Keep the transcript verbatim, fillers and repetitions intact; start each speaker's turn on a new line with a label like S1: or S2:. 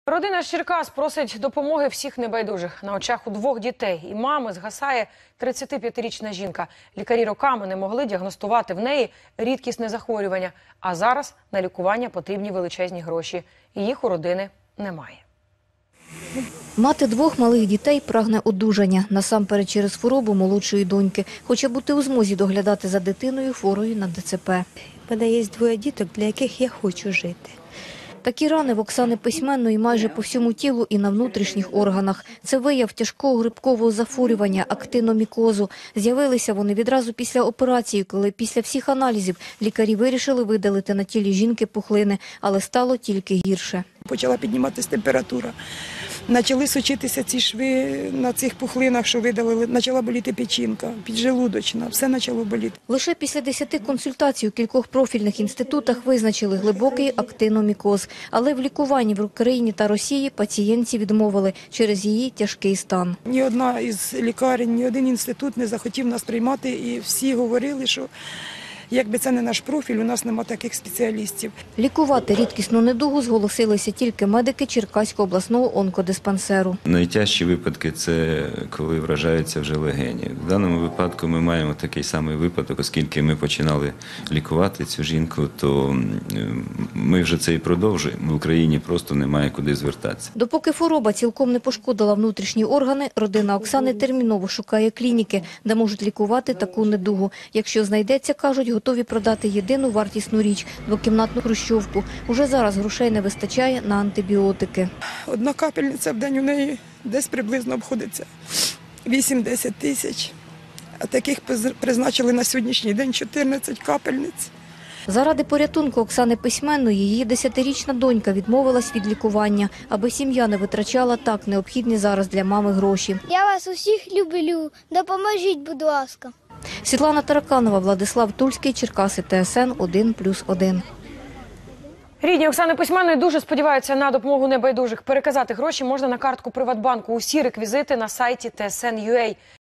S1: Родина з Черкас просить допомоги всіх небайдужих. На очах у двох дітей і мами згасає тридцятип'ятирічна жінка. Лікарі роками не могли діагностувати в неї рідкісне захворювання. А зараз на лікування потрібні величезні гроші. І їх у родини немає.
S2: Мати двох малих дітей прагне одужання, насамперед через хворобу молодшої доньки. Хоче бути у змозі доглядати за дитиною хворою на Д Ц П.
S3: У мене є двоє діток, для яких я хочу жити.
S2: Такі рани в Оксани Письменної майже по всьому тілу і на внутрішніх органах. Це вияв тяжкого грибкового захворювання – актиномікозу. З'явилися вони відразу після операції, коли після всіх аналізів лікарі вирішили видалити на тілі жінки пухлини, але стало тільки гірше.
S4: Почала підніматися температура. Почали сочитися ці шви на цих пухлинах, що видалили. Почала боліти печінка, піджелудочна, все почало боліти.
S2: Лише після десяти консультацій у кількох профільних інститутах визначили глибокий актиномікоз. Але в лікуванні в Україні та Росії пацієнтці відмовили через її тяжкий стан.
S4: Ні одна із лікарень, ні один інститут не захотів нас приймати, і всі говорили, що якби це не наш профіль, у нас немає таких спеціалістів.
S2: Лікувати рідкісну недугу зголосилися тільки медики Черкаського обласного онкодиспансеру.
S5: Найтяжчі випадки – це коли вражаються вже легені. В даному випадку ми маємо такий самий випадок, оскільки ми починали лікувати цю жінку, то ми вже це і продовжуємо. В Україні просто немає куди звертатися.
S2: Допоки хвороба цілком не пошкодила внутрішні органи, родина Оксани терміново шукає клініки, де можуть лікувати таку недугу. Якщо знайдеться, кажуть, готові продати єдину вартісну річ – двокімнатну хрущовку. Уже зараз грошей не вистачає на антибіотики.
S4: Одна капельниця в день у неї десь приблизно обходиться вісім-десять тисяч. А таких призначили на сьогоднішній день чотирнадцять капельниць.
S2: Заради порятунку Оксани Письменної її десятирічна донька відмовилась від лікування, аби сім'я не витрачала так необхідні зараз для мами гроші.
S6: Я вас усіх люблю. Допоможіть, будь ласка.
S2: Світлана Тараканова, Владислав Тульський, Черкаси, Т С Н один плюс один.
S1: Рідні Оксани Письменної дуже сподіваються на допомогу небайдужих. Переказати гроші можна на картку Приватбанку. Усі реквізити на сайті Т С Н крапка Ю А.